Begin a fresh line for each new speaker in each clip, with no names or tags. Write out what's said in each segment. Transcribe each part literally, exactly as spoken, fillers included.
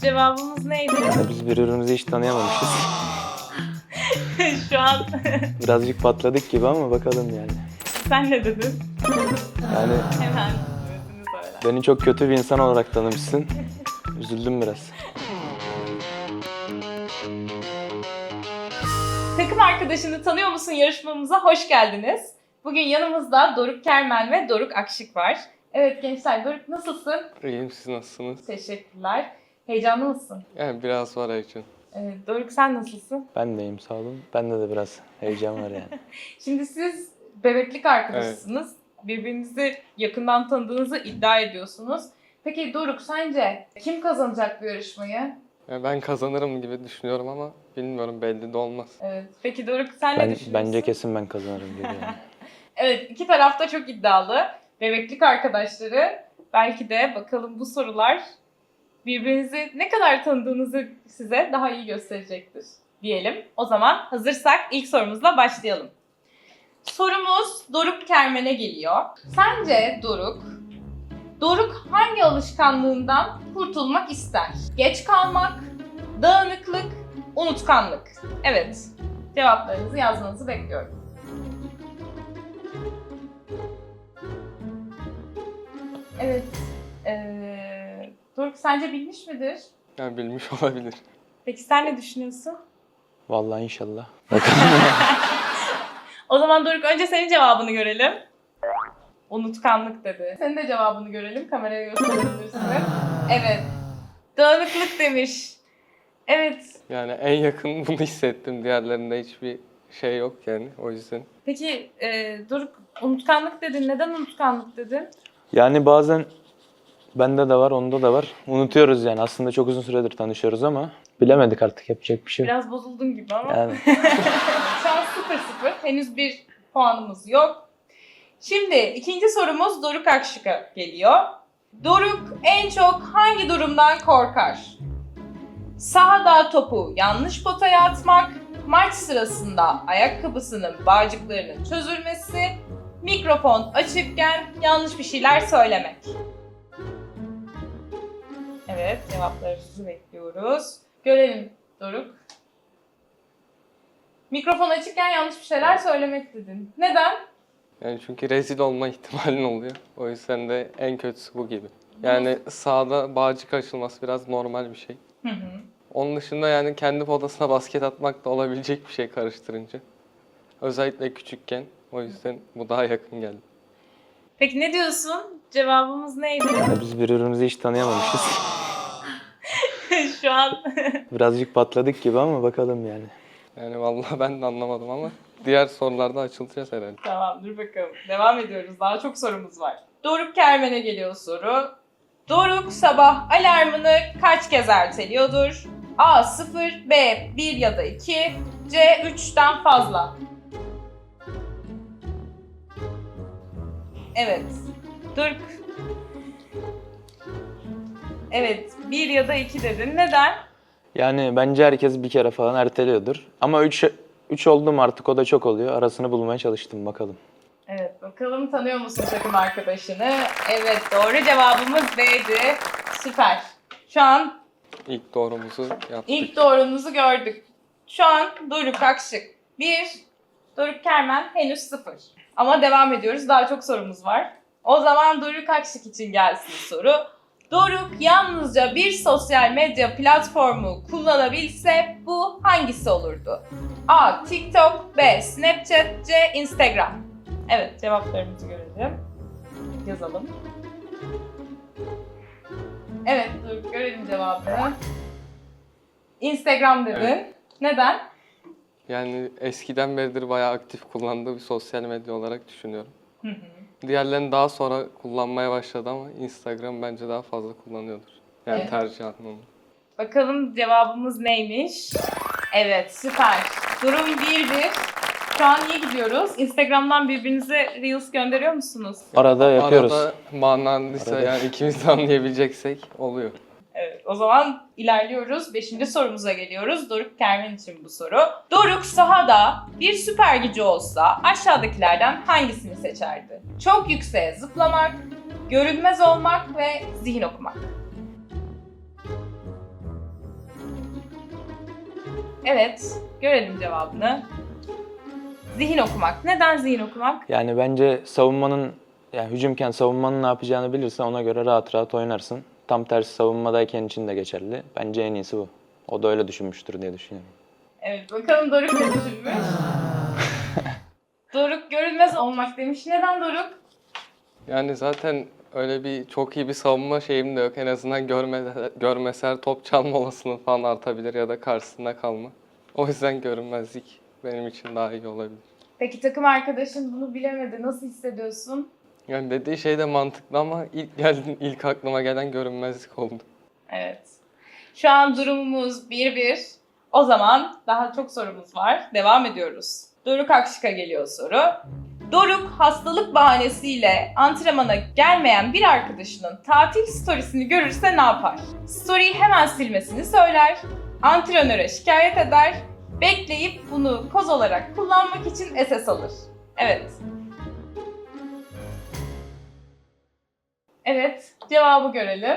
Cevabımız neydi?
Ya biz birbirimizi hiç tanıyamamışız.
Şu an
Birazcık patladık gibi ama bakalım yani.
sen ne dedin?
Yani
Hemen özünü söyle.
beni çok kötü bir insan olarak tanımışsın. Üzüldüm biraz.
Takım arkadaşını tanıyor musun yarışmamıza hoş geldiniz. Bugün yanımızda Doruk Kermen ve Doruk Akşık var. Evet gençler, Doruk nasılsın?
İyiyim, siz nasılsınız?
Teşekkürler. Heyecanlı mısın?
Yani biraz var Ayçin.
Evet, Doruk sen nasılsın?
Ben de iyiyim, sağ olun. Bende de biraz heyecan var yani.
Şimdi siz bebeklik arkadaşısınız. Birbirinizi yakından tanıdığınızı iddia ediyorsunuz. Peki Doruk sence kim kazanacak bu yarışmayı?
Yani ben kazanırım gibi düşünüyorum ama bilmiyorum, belli de olmaz.
Evet. Peki Doruk sen ne
Ben,
düşünüyorsun?
bence kesin ben kazanırım gibi yani.
Evet, iki taraf da çok iddialı. Bebeklik arkadaşları. Belki de bakalım bu sorular birbirinizi ne kadar tanıdığınızı size daha iyi gösterecektir diyelim. O zaman hazırsak ilk sorumuzla başlayalım. Sorumuz Doruk Kermen'e geliyor. Sence Doruk, Doruk hangi alışkanlığından kurtulmak ister? Geç kalmak, dağınıklık, unutkanlık. Evet, cevaplarınızı yazmanızı bekliyorum. Evet, ee, Doruk sence bilmiş midir?
Yani bilmiş olabilir.
Peki sen ne düşünüyorsun?
Vallahi inşallah.
O zaman Doruk önce senin cevabını görelim. Unutkanlık dedi. Senin de cevabını görelim. Kameraya gösterebilirsin. Evet. Dağınıklık demiş. Evet.
Yani en yakın bunu hissettim. Diğerlerinde hiçbir şey yok yani, o yüzden.
Peki e, Doruk unutkanlık dedin. Neden unutkanlık dedin?
Yani bazen bende de var, onda da var. Unutuyoruz yani. Aslında çok uzun süredir tanışıyoruz ama bilemedik artık, yapacak bir şey yok.
Biraz bozuldun gibi ama.
Yani
Şu an sıfır sıfır. Henüz bir puanımız yok. Şimdi ikinci sorumuz Doruk Akşık'a geliyor. Doruk en çok hangi durumdan korkar? Sahada topu yanlış potaya atmak, maç sırasında ayakkabısının bağcıklarının çözülmesi, mikrofon açıkken yanlış bir şeyler söylemek. Evet, cevaplarınızı bekliyoruz. Görelim Doruk. Mikrofon açıkken yanlış bir şeyler söylemek dedin. Neden?
Yani çünkü rezil olma ihtimalin oluyor. O yüzden de en kötüsü bu gibi. Yani sahada bağcık açılması biraz normal bir şey.
Hı hı.
Onun dışında yani kendi potasına basket atmak da olabilecek bir şey karıştırınca. Özellikle küçükken. O yüzden bu daha yakın geldi.
Peki ne diyorsun? Cevabımız neydi?
ya biz birbirimizi hiç tanıyamamışız.
Şu an
Birazcık patladık gibi ama bakalım yani.
Yani vallahi ben de anlamadım ama diğer sorularda açılacağız herhalde.
tamam dur bakalım. Devam ediyoruz. Daha çok sorumuz var. Doruk Kermen'e geliyor soru. Doruk sabah alarmını kaç kez erteliyordur? A sıfır, B bir ya da iki, C üçten fazla. Evet. Doruk. Evet, bir ya da iki dedin. Neden?
Yani bence herkes bir kere falan erteliyordur. Ama üç, üç oldu mu artık, o da çok oluyor. Arasını bulmaya çalıştım, bakalım.
Evet, bakalım tanıyor musun takım arkadaşını? Evet, doğru cevabımız B'di. Süper. Şu an
İlk doğrumuzu yaptık.
ilk doğrunuzu gördük. Şu an Doruk Akşık bir, Doruk Kermen henüz sıfır. Ama devam ediyoruz, daha çok sorumuz var. O zaman Doruk Akşık için gelsin soru. Doruk yalnızca bir sosyal medya platformu kullanabilse bu hangisi olurdu? A. TikTok, B. Snapchat, C. Instagram. Evet, cevaplarımızı görelim. Yazalım. Evet, Doruk görelim cevabını. Instagram dedin.
Evet.
Neden?
Yani eskiden beridir bayağı aktif kullandığı bir sosyal medya olarak düşünüyorum.
Hı hı.
Diğerlerini daha sonra kullanmaya başladı ama Instagram bence daha fazla kullanıyordur. Yani
Evet.
tercih anlamında.
Bakalım cevabımız neymiş? Evet, süper. Durum bir bir. Şu an iyi gidiyoruz. Instagram'dan birbirinize Reels gönderiyor musunuz?
Arada yapıyoruz.
Arada manalıysa
Arada.
yani ikimiz de anlayabileceksek oluyor.
Evet, o zaman ilerliyoruz. Beşinci sorumuza geliyoruz. Doruk Kermen için bu soru. Doruk sahada bir süper gücü olsa aşağıdakilerden hangisini seçerdi? Çok yükseğe zıplamak, görünmez olmak ve zihin okumak. Evet, görelim cevabını. Zihin okumak. Neden zihin okumak?
Yani bence savunmanın, yani hücumken savunmanın ne yapacağını bilirsen ona göre rahat rahat oynarsın. Tam tersi savunmadayken için de geçerli. Bence en iyisi bu. O da öyle düşünmüştür diye düşünüyorum.
Evet, bakalım Doruk ne düşünmüş? Doruk görünmez olmak demiş. Neden Doruk?
Yani zaten öyle bir çok iyi bir savunma şeyim de yok. En azından görme, görmeser top çalma olasılığı falan artabilir ya da karşısında kalma. O yüzden görünmezlik benim için daha iyi olabilir.
Peki takım arkadaşın bunu bilemedi. Nasıl hissediyorsun?
Yani dediği şey de mantıklı ama ilk geldi, ilk aklıma gelen görünmezlik oldu.
Evet. Şu an durumumuz bir bir. O zaman daha çok sorumuz var. Devam ediyoruz. Doruk Akşık'a geliyor soru. Doruk hastalık bahanesiyle antrenmana gelmeyen bir arkadaşının tatil storiesini görürse ne yapar? Story'yi hemen silmesini söyler, antrenöre şikayet eder, bekleyip bunu koz olarak kullanmak için S S alır. Evet. Evet, cevabı görelim.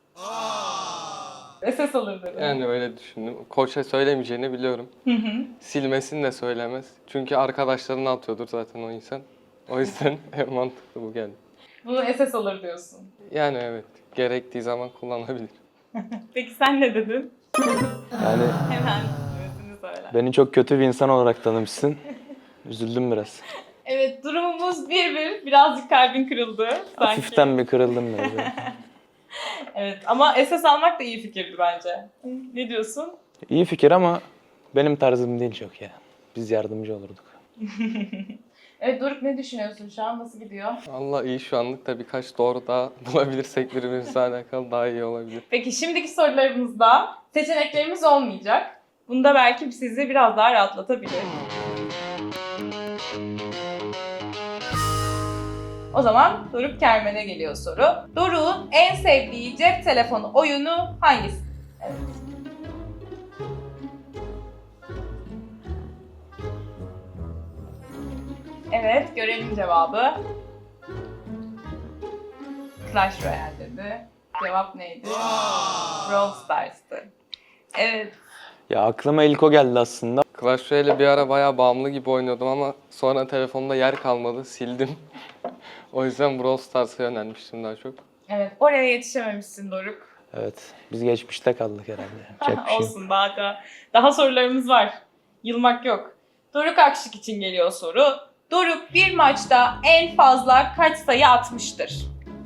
S S alır dedi.
Yani öyle düşündüm. Koça söylemeyeceğini biliyorum.
Hı hı.
Silmesini de söylemez. Çünkü arkadaşlarına atıyordur zaten o insan. O yüzden en mantıklı bu geldi.
Bunu S S alır diyorsun.
Yani evet, gerektiği zaman kullanabilir.
Peki sen ne dedin?
Yani
Hemen cümlesini söyle.
beni çok kötü bir insan olarak tanımışsın. Üzüldüm biraz.
Evet, durumumuz bir bir. Birazcık kalbin kırıldı sanki.
Hafiften bir kırıldım böyle.
Evet ama S S almak da iyi fikirdi bence. Ne diyorsun?
İyi fikir ama benim tarzım değil çok ya. Biz yardımcı olurduk.
Evet Doruk, ne düşünüyorsun şu an? Nasıl gidiyor?
Allah iyi, şu anlık da birkaç doğru daha bulabilirsek birbirimizle alakalı daha iyi olabilir.
Peki şimdiki sorularımızda seçeneklerimiz olmayacak. Bunda belki sizi biraz daha rahatlatabilir. O zaman Doruk Kermen'e geliyor soru. Doruk'un en sevdiği cep telefonu oyunu hangisi? Evet. Evet, görelim cevabı. Clash Royale dedi. Cevap neydi? Brawl Stars'tı. Evet.
Ya aklıma ilk o geldi aslında.
Clash Royale'e bir ara bayağı bağımlı gibi oynuyordum ama sonra telefonda yer kalmadı, sildim. O yüzden Brawl Stars'a yönelmiştim daha çok.
Evet, oraya yetişememişsin Doruk.
Evet, biz geçmişte kaldık herhalde. Yapacak bir şey yok.
Olsun, daha da, daha sorularımız var. Yılmak yok. Doruk Akşık için geliyor soru. Doruk bir maçta en fazla kaç sayı atmıştır?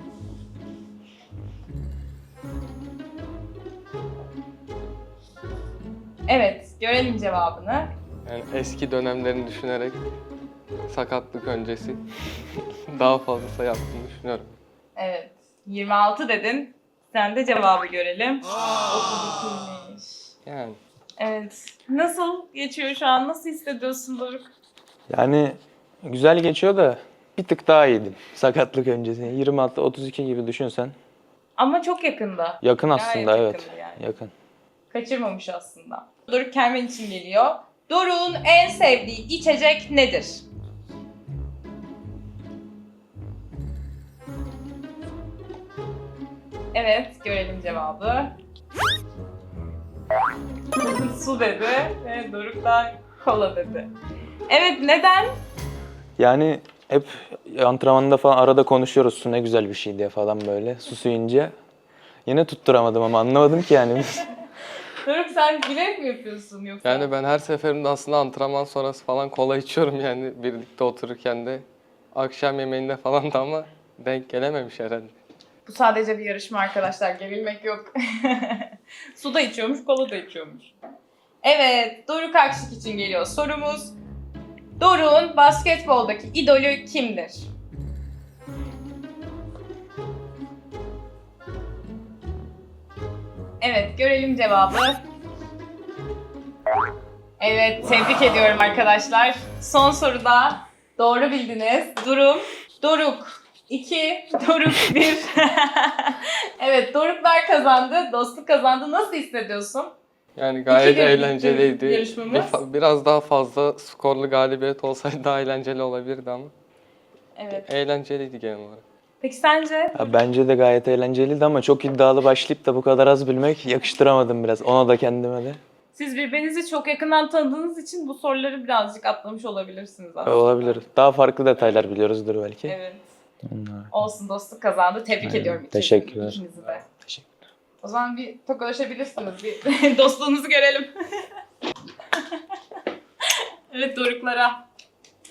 Evet, görelim cevabını.
Yani eski dönemlerini düşünerek sakatlık öncesi daha fazla sayı yaptığını düşünüyorum.
Evet, yirmi altı dedin. Sen de cevabı görelim. otuz ikiymiş.
Yani
Evet. Nasıl geçiyor şu an? Nasıl hissediyorsun Doruk?
Yani güzel geçiyor da bir tık daha iyiydim sakatlık öncesi. yirmi altı otuz iki gibi düşünsen.
Ama çok yakında.
Yakın
Gayet
aslında, evet.
yakındı yani.
Yakın.
Kaçırmamış aslında. Doruk Kermen için geliyor. Doruk'un en sevdiği içecek nedir? Evet, görelim cevabı. Su dedi ve Doruk da kola dedi. Evet, neden?
Yani hep antrenmanda falan arada konuşuyoruz su ne güzel bir şey diye falan böyle susuyunca. Yine tutturamadım ama anlamadım ki yani.
Doruk, sen bilerek mi yapıyorsun yoksa?
yani ben her seferinde aslında antrenman sonrası falan kola içiyorum yani birlikte otururken de akşam yemeğinde falan da ama denk gelememiş herhalde.
Bu sadece bir yarışma arkadaşlar. Gerilmek yok. Su da içiyormuş, kola da içiyormuş. Evet, Doruk Akşık için geliyor sorumuz. Doruk'un basketboldaki idolü kimdir? Evet, görelim cevabı. Evet, tebrik ediyorum arkadaşlar. Son soruda doğru bildiniz. Durum Doruk iki, Doruk bir. Evet, Doruklar kazandı, dostluk kazandı. Nasıl hissediyorsun?
Yani gayet
İki bir
eğlenceliydi.
bitti yarışmamız.
Bir fa- biraz daha fazla skorlu galibiyet olsaydı daha eğlenceli olabilirdi ama
Evet.
eğlenceliydi genel olarak.
Peki sence?
Ya bence de gayet eğlenceliydi ama çok iddialı başlayıp da bu kadar az bilmek yakıştıramadım biraz. Ona da kendime de.
Siz birbirinizi çok yakından tanıdığınız için bu soruları birazcık atlamış olabilirsiniz aslında.
Olabilir. Daha farklı detaylar biliyoruzdur belki.
Evet.
Onlar.
Olsun, dostluk kazandı. Tebrik
Aynen.
ediyorum.
Teşekkürler.
İkinizi de.
Teşekkür.
O zaman bir tokalaşabilirsiniz. Bir dostluğunuzu görelim. Evet, doruklara.